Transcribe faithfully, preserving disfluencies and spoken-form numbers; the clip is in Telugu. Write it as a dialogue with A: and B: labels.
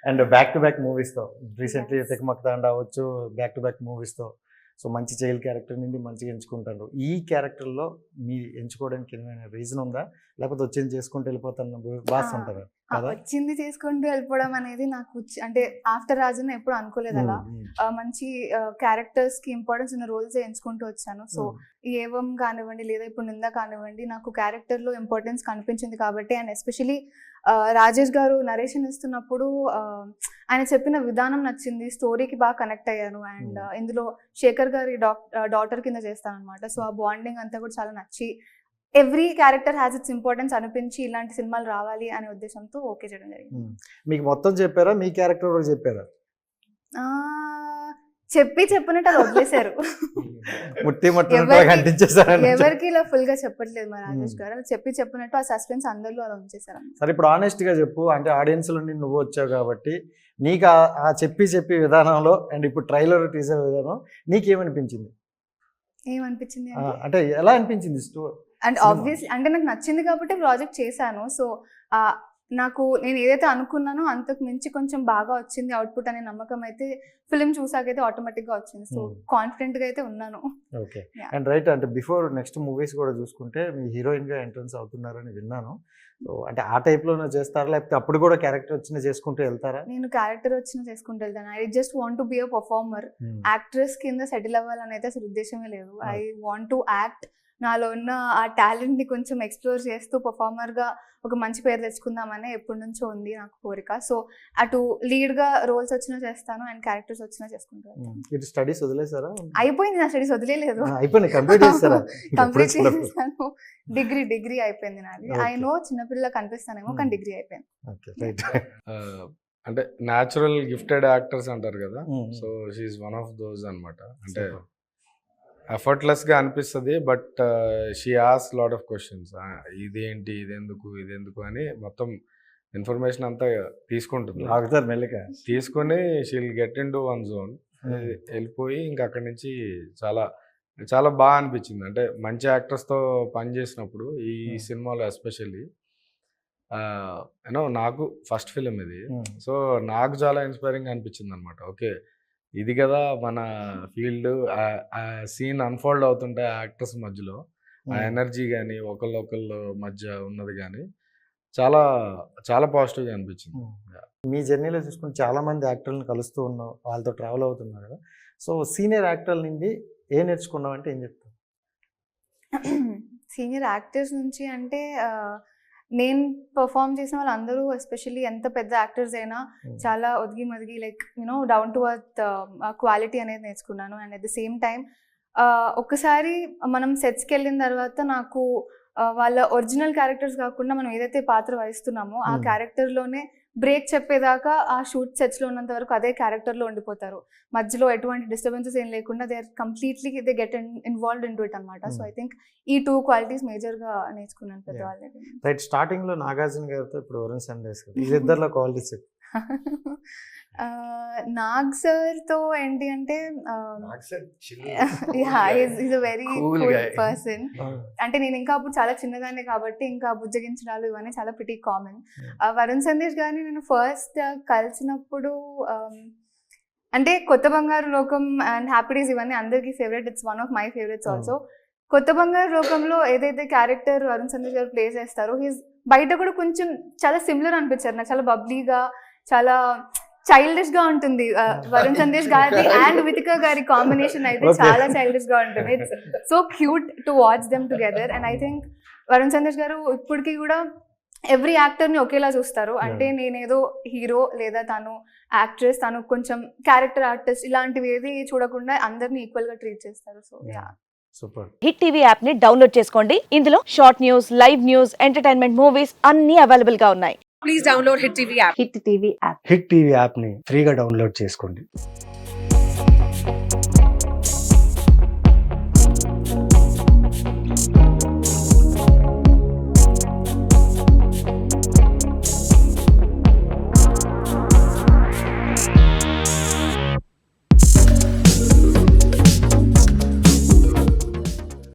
A: అండ్ బ్యాక్ టు బ్యాక్ మూవీస్తో రీసెంట్లీ తికమక తాండ అవ్వచ్చు, బ్యాక్ టు బ్యాక్ మూవీస్తో సో మంచి చైల్డ్ క్యారెక్టర్ నుండి మంచిగా ఎంచుకుంటారు. ఈ క్యారెక్టర్లో మీ ఎంచుకోవడానికి ఏమైనా రీజన్ ఉందా, లేకపోతే వచ్చింది చేసుకుంటూ వెళ్ళిపోతాను బాస్ అంటారా?
B: వచ్చింది చేసుకుంటూ వెళ్ళిపోవడం అనేది నాకు అంటే ఆఫ్టర్ రాజున ఎప్పుడు అనుకోలేదు అలా. మంచి క్యారెక్టర్స్ కి ఇంపార్టెన్స్ ఉన్న రోల్స్ ఎంచుకుంటూ వచ్చాను. సో ఏవం కానివ్వండి లేదా ఇప్పుడు నిందా కానివ్వండి నాకు క్యారెక్టర్ లో ఇంపార్టెన్స్ కనిపించింది కాబట్టి. అండ్ ఎస్పెషలీ రాజేష్ గారు నరేషన్ ఇస్తున్నప్పుడు ఆయన చెప్పిన విధానం నచ్చింది, స్టోరీకి బాగా కనెక్ట్ అయ్యాను. అండ్ ఇందులో శేఖర్ గారి డాటర్ కింద చేస్తాను అనమాట. సో ఆ బాండింగ్ అంతా కూడా చాలా నచ్చి every character has its importance అనిపించి ఇలాంటి సినిమాలు రావాలి అనే ఉద్దేశంతో ఓకే చేయడం జరిగింది.
A: మీకు మొత్తం చెప్పారా, మీ క్యారెక్టర్ కూడా చెప్పారా?
B: చెప్పి చెప్పినట్టు అది వదిలేశారు. ఎవరికి ఇలా ఫుల్ గా చెప్పట్లేదు మా రాజేష్ గారు. చెప్పి చెప్పినట్టు ఆ సస్పెన్స్ అందరిలో అలా ఉంచేసారు.
A: సరే ఇప్పుడు ఆనెస్ట్ గా చెప్పు, అంటే ఆడియన్స్ లో నువ్వు వచ్చావు కాబట్టి నీకు ఆ చెప్పి చెప్పి విధానంలో అండ్ ఇప్పుడు ట్రైలర్ టీజర్ విధానం నీకేమనిపించింది?
B: ఏమనిపించింది
A: అంటే ఎలా అనిపించింది స్టోరీ?
B: అండ్ ఆబ్వియస్లీ అంటే నాకు నచ్చింది కాబట్టి ప్రాజెక్ట్ చేశాను. సో నాకు నేను ఏదైతే అనుకున్నానో అంతకు మించి కొంచెం బాగా వచ్చింది అవుట్పుట్ అనే నమ్మకం అయితే ఫిల్మ్ చూసాకైతే ఆటోమేటిక్ గా వచ్చింది. సో కాన్ఫిడెంట్ గా అయితే ఉన్నాను.
A: ఓకే. అండ్ రైట్, అంటే బిఫోర్ నెక్స్ట్ మూవీస్ కూడా చూసుకుంటే మీ హీరోయిన్ గా ఎంట్రన్స్ అవుతున్నారని విన్నాను. సో అంటే ఆ టైప్ లోనే చేస్తారా, లేకపోతే అప్పుడు కూడా క్యారెక్టర్ వచ్చిన చేసుకుంటూ వెళ్తారా?
B: నేను క్యారెక్టర్ వచ్చిన చేసుకుంటూ వెళ్తాను. I just want to be a performer. Actress కింద సెటిల్ అవ్వాలని అయితే అసలు ఉద్దేశమే లేదు. I want to act. నాలో ఉన్న ఆ టాలెంట్ ని కొంచెం ఎక్స్ప్లోర్ చేస్తూ పర్ఫార్మర్ గా ఒక మంచి పేరు తెచ్చుకుందామని ఎప్పటి నుంచో ఉంది నాకు కోరిక. సో అటు లీడ్ గా రోల్స్ వచ్చినా చేస్తాను అండ్ క్యారెక్టర్స్ వచ్చినా చేసుకుంటాను.
A: స్టడీస్ వదిలేసారా?
B: అయిపోయింది నా స్టడీస్, వదిలేదు.
A: కంప్లీట్
B: చేశాను. డిగ్రీ డిగ్రీ అయిపోయింది నాది. ఐ నో చిన్నపిల్ల కనిపిస్తానేమో కానీ డిగ్రీ అయిపోయింది.
C: అంటే న్యాచురల్ గిఫ్టెడ్ యాక్టర్స్ అంటారు కదా, so she's one of those అన్నమాట. అంటే ఎఫర్ట్లెస్ గా అనిపిస్తుంది, but she has lot of questions. ఇదేంటి, ఇదెందుకు, ఇదెందుకు అని మొత్తం ఇన్ఫర్మేషన్ అంతా తీసుకుంటుంది. తీసుకొని she'll get into one zone, వెళ్ళిపోయి ఇంకా అక్కడి నుంచి చాలా చాలా బాగా అనిపించింది. అంటే మంచి యాక్టర్స్తో పనిచేసినప్పుడు ఈ సినిమాలో ఎస్పెషల్లీ యూనో నాకు ఫస్ట్ ఫిలిం ఇది. సో నాకు చాలా ఇన్స్పైరింగ్ అనిపించింది అనమాట. ఓకే, ఇది కదా మన ఫీల్డ్. ఆ సీన్ అన్ఫోల్డ్ అవుతుంటే యాక్టర్స్ మధ్యలో ఆ ఎనర్జీ కానీ ఒకళ్ళు ఒకళ్ళు మధ్య ఉన్నది కానీ చాలా చాలా పాజిటివ్గా అనిపించింది.
A: మీ జర్నీలో చూసుకుని చాలా మంది యాక్టర్లను కలుస్తూ ఉన్నావు, వాళ్ళతో ట్రావెల్ అవుతున్నారు కదా. సో సీనియర్ యాక్టర్ల నుండి ఏం నేర్చుకున్నావు అంటే ఏం చెప్తావు?
B: సీనియర్ యాక్టర్స్ నుంచి అంటే నేను పర్ఫామ్ చేసిన వాళ్ళందరూ ఎస్పెషల్లీ ఎంత పెద్ద యాక్టర్స్ అయినా చాలా ఒదిగి మదిగి like you know down to earth quality అనేది నేర్చుకున్నాను. And at the same time ఒక్కసారి మనం సెట్స్కి వెళ్ళిన తర్వాత నాకు వాళ్ళ ఒరిజినల్ క్యారెక్టర్స్ కాకుండా మనం ఏదైతే పాత్ర వహిస్తున్నామో ఆ క్యారెక్టర్లోనే బ్రేక్ చెప్పేదాకా ఆ షూట్ సెట్స్లో ఉన్నంత వరకు అదే క్యారెక్టర్లో ఉండిపోతారు. మధ్యలో ఎటువంటి డిస్టర్బెన్సెస్ ఏం లేకుండా they are completely they get involved into it అనమాట. సో ఐ థింక్ ఈ టూ క్వాలిటీస్ మేజర్గా నేర్చుకున్నాను పెద్దవాళ్ళకి.
A: రైట్, స్టార్టింగ్లో నాగార్జున గారితో ఇప్పుడు వరుణ్ సందేశ్ ఇద్దరిలో క్వాలిటీస్
B: నాగ్ సార్తో ఏంటి అంటే is a very cool person. అంటే నేను ఇంకా అప్పుడు చాలా చిన్నదాన్ని కాబట్టి ఇంకా బుజ్జగించడాలు ఇవన్నీ చాలా ప్రిటీ కామన్. వరుణ్ సందేశ్ గారిని నేను ఫస్ట్ కలిసినప్పుడు అంటే కొత్త బంగారు లోకం అండ్ హ్యాపీ డేస్ ఇవన్నీ అందరికీ favourite. It's one of my favourites also. కొత్త బంగారు లోకంలో ఏదైతే క్యారెక్టర్ వరుణ్ సందేశ్ గారు ప్లే చేస్తారో హీస్ బయట కూడా కొంచెం చాలా సిమిలర్ అనిపించారు నాకు. చాలా బబ్లీగా, చాలా చైల్డిష్ గా ఉంటుంది వరుణ్ సందేశ్ గారి అండ్ వితికా గారి కాంబినేషన్ అయితే చాలా చైల్డిష్ గా ఉంటుంది. It's so cute to watch them together. And I think Varun Sandesh గారు ఇప్పటికీ కూడా ఎవ్రీ యాక్టర్ ని ఒకేలా చూస్తారు. అంటే నేనేదో హీరో లేదా తను యాక్ట్రెస్, తను కొంచెం క్యారెక్టర్ ఆర్టిస్ట్ ఇలాంటివి ఏది చూడకుండా అందరినీ ఈక్వల్ గా ట్రీట్ చేస్తారు. So yeah,
A: super.
D: Hit TV app ని డౌన్లోడ్ చేసుకోండి. ఇందులో short news, live news, entertainment movies అన్ని అవైలబుల్ గా ఉన్నాయి. Please download hit TV app. Hit TV app
E: hit TV app ని ఫ్రీగా డౌన్లోడ్ చేసుకోండి.